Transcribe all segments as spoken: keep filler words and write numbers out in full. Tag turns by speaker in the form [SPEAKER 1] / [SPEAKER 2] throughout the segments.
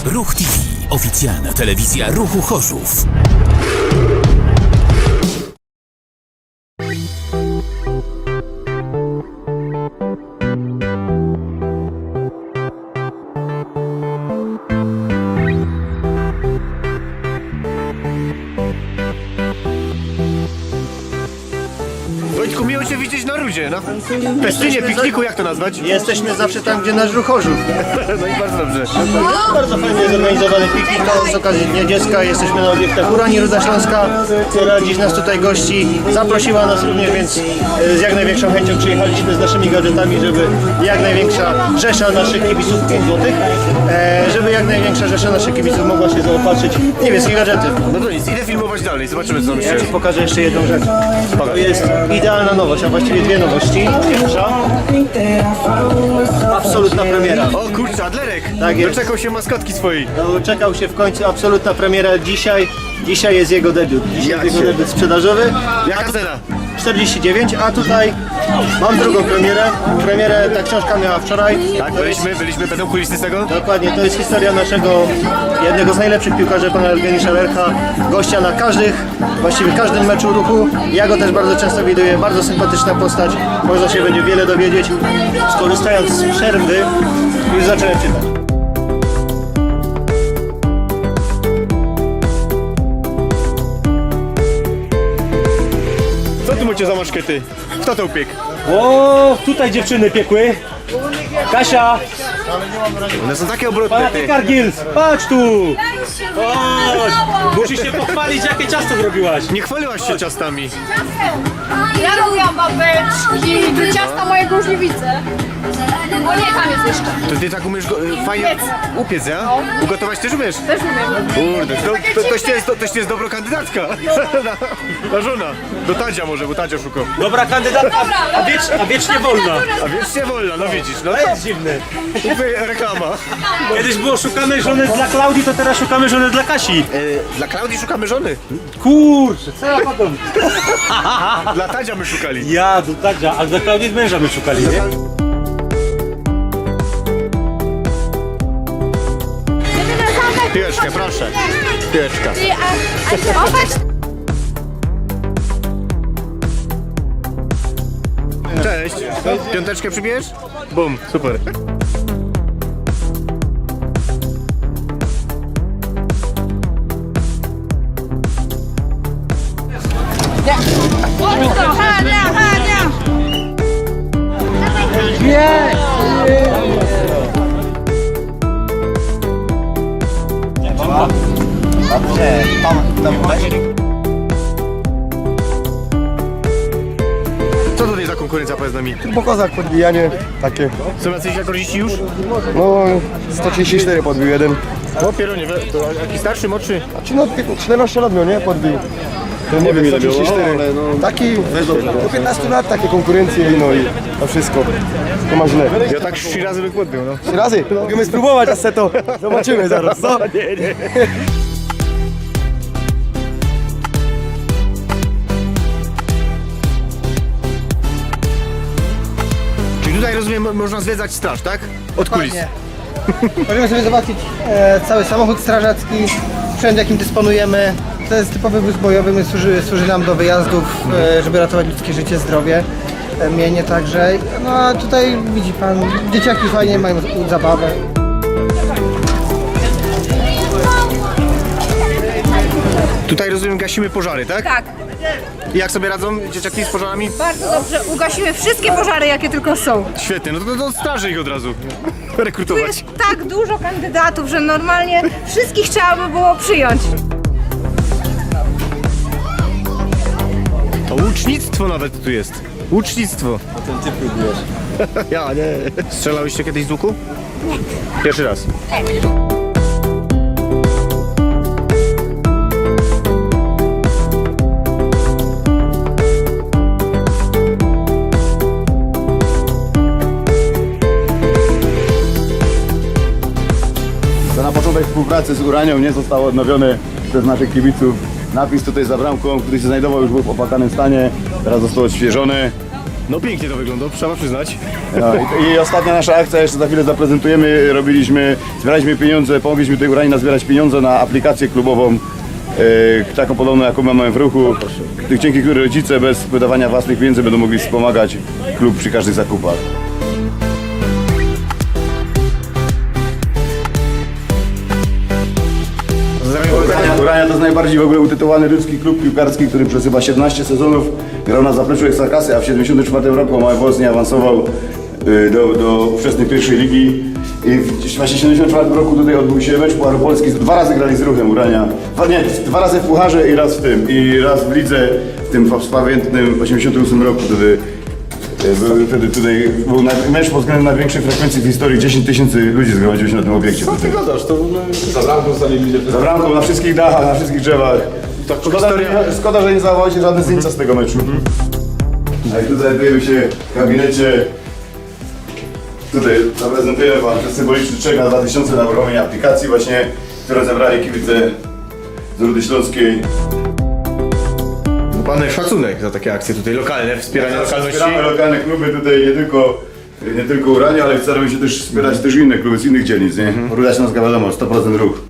[SPEAKER 1] Ruch T V, oficjalna telewizja Ruchu Chorzów.
[SPEAKER 2] Wojtku, miło Cię widzieć na Rudzie, na festynie, pikniku, jak to nazwać?
[SPEAKER 3] Jesteśmy zawsze tam, gdzie nasz Ruch Chorzów.
[SPEAKER 2] No i bardzo dobrze.
[SPEAKER 3] Bardzo fajnie zorganizowany piknik z okazji Dnia Dziecka. Jesteśmy na obiektach Urani Ruda Śląska, która dziś nas tutaj gości. Zaprosiła nas również, więc z jak największą chęcią przyjechaliśmy z naszymi gadżetami, żeby jak największa rzesza naszych kibiców, pięć złotych, żeby jak największa rzesza naszych kibiców mogła się zaopatrzyć w niebieskie gadżety.
[SPEAKER 2] No to nic, idę filmować dalej, zobaczymy co tam się...
[SPEAKER 3] Ja Ci pokażę jeszcze jedną rzecz. To jest idealna nowość, a właściwie dwie nowości. Pierwsza, absolutna premiera.
[SPEAKER 2] O kurczę, Adlerek!
[SPEAKER 3] Tak jest.
[SPEAKER 2] Doczekał się maskotki swojej.
[SPEAKER 3] Doczekał się w końcu, absolutna premiera dzisiaj. Dzisiaj jest jego debiut. Dzisiaj
[SPEAKER 2] Jak
[SPEAKER 3] jest jego
[SPEAKER 2] się-
[SPEAKER 3] debiut sprzedażowy.
[SPEAKER 2] Jaka cena?
[SPEAKER 3] czterdzieści dziewięć, a tutaj mam drugą premierę. Premierę ta książka miała wczoraj.
[SPEAKER 2] Tak, byliśmy, byliśmy, będą kulisy z tego?
[SPEAKER 3] Dokładnie, to jest historia naszego, jednego z najlepszych piłkarzy, pana Eugeniusza Lercha, gościa na każdych, właściwie każdym meczu Ruchu. Ja go też bardzo często widuję, bardzo sympatyczna postać, można się będzie wiele dowiedzieć. Skorzystając z przerwy, już zacząłem czytać.
[SPEAKER 2] Co tu macie za maszkety? Kto to upiekł?
[SPEAKER 4] O, tutaj dziewczyny piekły. Kasia,
[SPEAKER 2] One są takie obrotne,
[SPEAKER 4] pana
[SPEAKER 2] ty.
[SPEAKER 4] Kargils, patrz tu. Chodź, musisz się pochwalić, jakie ciasto zrobiłaś.
[SPEAKER 2] Nie chwaliłaś się ciastami.
[SPEAKER 5] Ja lubię babeczki, do ciasta mojego już nie widzę. O nie, tam jest jeszcze.
[SPEAKER 2] To ty tak umiesz go, y, fajnie
[SPEAKER 5] Upiec.
[SPEAKER 2] upiec, ja? Ugotować też umiesz?
[SPEAKER 5] Też umiem.
[SPEAKER 2] Kurde, to, to, toś, jest, to, toś jest dobra kandydatka. Na, na żona. Do Tadzia może, bo Tadzia szukał.
[SPEAKER 4] Dobra kandydatka, a, wiecz, a wiecznie wolna.
[SPEAKER 2] A wiecznie wolna, no widzisz, no
[SPEAKER 4] To jest dziwne.
[SPEAKER 2] to reklama.
[SPEAKER 4] Kiedyś było szukamy żony dla Klaudii, to teraz szukamy żony dla Kasi.
[SPEAKER 2] Y, dla Klaudii szukamy żony.
[SPEAKER 4] Kurczę, co ja potem?
[SPEAKER 2] Dla Tadzia my szukali.
[SPEAKER 4] Ja, do Tadzia, a dla Klaudii męża my szukali, nie?
[SPEAKER 2] Piłeczkę, proszę. Piłeczka. Cześć. Piąteczkę przybierz? Bum, super.
[SPEAKER 5] Hania, Hania!
[SPEAKER 2] Co tutaj za konkurencja, powiedz nami?
[SPEAKER 6] Po kozach podbijanie takie.
[SPEAKER 2] Są jacyś rekordziści już?
[SPEAKER 6] No sto trzydzieści cztery podbił jeden.
[SPEAKER 2] O, pieronie, we- to jaki starszy, młodszy?
[SPEAKER 6] Czy no czternaście lat miał, nie? Podbił. To nie wiem ile miał, ale no... Taki, do piętnastu lat takie konkurencje no i to wszystko. To ma źle.
[SPEAKER 2] Ja tak trzy razy bym podbił, no.
[SPEAKER 6] Trzy razy? Możemy spróbować, a se to zobaczymy zaraz, co? Nie, nie.
[SPEAKER 2] Czyli tutaj rozumiem, mo- można zwiedzać straż, tak? Od kulis.
[SPEAKER 7] Możemy sobie zobaczyć e, cały samochód strażacki, sprzęt jakim dysponujemy. To jest typowy wóz bojowy, my służy, służy nam do wyjazdów, e, żeby ratować ludzkie życie, zdrowie, e, mienie także. No a tutaj widzi pan, dzieciaki fajnie mają zabawę.
[SPEAKER 2] Tutaj rozumiem, gasimy pożary, tak?
[SPEAKER 5] Tak,
[SPEAKER 2] I jak sobie radzą dzieciaki z pożarami?
[SPEAKER 5] bardzo dobrze. Ugasimy wszystkie pożary, jakie tylko są.
[SPEAKER 2] Świetnie, no to do straży ich od razu
[SPEAKER 5] Tu
[SPEAKER 2] rekrutować.
[SPEAKER 5] jest tak dużo kandydatów, że normalnie wszystkich trzeba by było przyjąć.
[SPEAKER 2] To łucznictwo nawet tu jest. Łucznictwo. A ten ty próbujesz. Ja nie. Strzelałyście kiedyś z łuku? Nie. Pierwszy raz.
[SPEAKER 8] To na początek współpracy z Uranią nie został odnowiony przez naszych kibiców napis tutaj za bramką, który się znajdował już był w opłakanym stanie, teraz został odświeżony.
[SPEAKER 2] No pięknie to wygląda, trzeba przyznać.
[SPEAKER 8] No, i, I ostatnia nasza akcja, jeszcze za chwilę zaprezentujemy, robiliśmy, zbieraliśmy pieniądze, pomogliśmy tej Uranii nazbierać pieniądze na aplikację klubową, e, taką podobną jaką mamy w ruchu, dzięki której rodzice bez wydawania własnych pieniędzy będą mogli wspomagać klub przy każdych zakupach. Urania to jest najbardziej w ogóle utytułowany ludzki klub piłkarski, który przez chyba siedemnaście sezonów grał na zapleczu Ekstraklasy, a w siedemdziesiątym czwartym roku Małopolska awansował y, do, do ówczesnej pierwszej ligi. I w właśnie siedemdziesiątym czwartym roku tutaj odbył się mecz Pucharu Polski. Dwa razy grali z Ruchem Urania. Dwa, nie, dwa razy w Pucharze i raz w tym. I raz w lidze w tym pamiętnym osiemdziesiątym ósmym roku. Wtedy, był, wtedy tutaj był mecz pod względem największej frekwencji w historii. dziesięć tysięcy ludzi zgromadziło się na tym obiekcie. Co ty
[SPEAKER 6] gadasz, to za bramką stali ludzie.
[SPEAKER 8] Za bramką, na wszystkich dachach, na wszystkich drzewach. Szkoda, że, szkoda, że nie zachowało się żadne zdjęcia z tego meczu. A i tutaj znajdujemy się w gabinecie. Tutaj zaprezentujemy Wam ten symboliczny czek na dwa tysiące na uruchomienie aplikacji właśnie, które zebrali kibice z Rudy Śląskiej.
[SPEAKER 2] Pan szacunek za takie akcje tutaj lokalne, wspieranie lokalności.
[SPEAKER 8] Wspieramy lokalne kluby tutaj nie tylko, nie tylko Urania, ale staramy się też wspierać też inne kluby z innych dzielnic, nie? Mhm. Ruda Śląska wiadomo, sto procent ruch.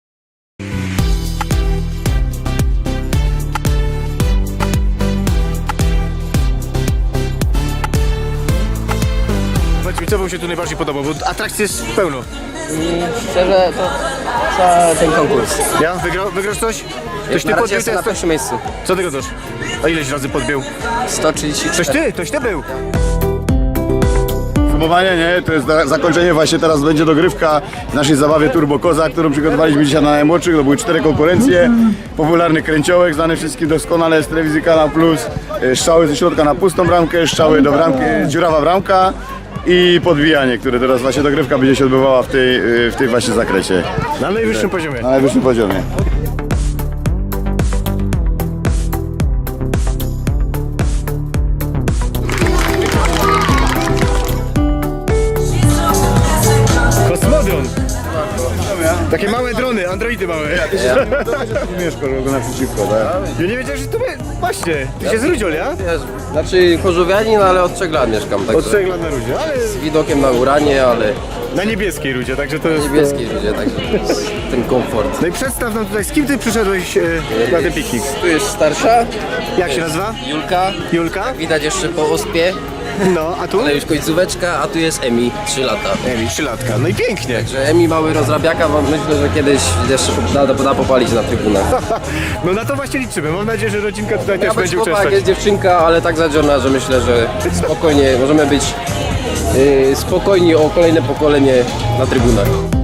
[SPEAKER 2] Powiedz mi, co Wam się tu najbardziej podoba, bo atrakcji jest pełno.
[SPEAKER 9] Szczerze, to cały ten konkurs.
[SPEAKER 2] Ja? Wygra, wygrasz coś? Ktoś
[SPEAKER 9] Na
[SPEAKER 2] ty
[SPEAKER 9] razie
[SPEAKER 2] podbił?
[SPEAKER 9] jestem na
[SPEAKER 2] to jest-
[SPEAKER 9] pierwszym miejscu.
[SPEAKER 2] Co ty gadasz? A ileś razy podbił?
[SPEAKER 9] sto trzydzieści
[SPEAKER 2] Ktoś
[SPEAKER 9] cztery.
[SPEAKER 2] ty, ktoś ty był.
[SPEAKER 8] Podsumowanie, nie? To jest za- zakończenie właśnie, teraz będzie dogrywka w naszej zabawie Turbo Koza, którą przygotowaliśmy dzisiaj na najmłodszych. To były cztery konkurencje. Popularny kręciołek, znany wszystkim doskonale z telewizji Kanal Plus. E, Strzały ze środka na pustą bramkę, strzały do bramki, dziurawa bramka i podbijanie, które teraz właśnie dogrywka będzie się odbywała w tej, e, w tej właśnie zakresie.
[SPEAKER 2] Na najwyższym poziomie.
[SPEAKER 8] Na najwyższym poziomie.
[SPEAKER 2] Kosmodron. Takie małe drony, androidy małe.
[SPEAKER 8] Mieszko, go naprzeciwko, tak?
[SPEAKER 2] Ja nie wiedziałem, że to by... Właśnie, ty się z Rudziol, ja?
[SPEAKER 9] Znaczy chorzowianin, ale od trzech lat mieszkam. Także
[SPEAKER 2] Od trzech lat na Rudzie, ale
[SPEAKER 9] z widokiem na Uranie, ale
[SPEAKER 2] na niebieskiej Rudzie, także to jest...
[SPEAKER 9] niebieski ludzie, także ten komfort.
[SPEAKER 2] No i przedstaw nam tutaj, z kim ty przyszedłeś e, na ten piknik?
[SPEAKER 9] Tu jest starsza,
[SPEAKER 2] Jak się nazywa?
[SPEAKER 9] Julka,
[SPEAKER 2] Julka?
[SPEAKER 9] widać jeszcze po ospie,
[SPEAKER 2] No, a tu?
[SPEAKER 9] ale już końcóweczka, a tu jest Emi, trzy lata.
[SPEAKER 2] Emi, trzylatka. No i pięknie.
[SPEAKER 9] Także Emi mały rozrabiaka, mam myślę, że kiedyś jeszcze da, da popalić na trybunach.
[SPEAKER 2] No na to właśnie liczymy. Mam nadzieję, że rodzinka tutaj
[SPEAKER 9] Ja
[SPEAKER 2] też
[SPEAKER 9] być
[SPEAKER 2] będzie
[SPEAKER 9] chłopak,
[SPEAKER 2] uczestniczyć.
[SPEAKER 9] jest dziewczynka, ale tak zadziorna, że myślę, że spokojnie możemy być yy, spokojni o kolejne pokolenie na trybunach.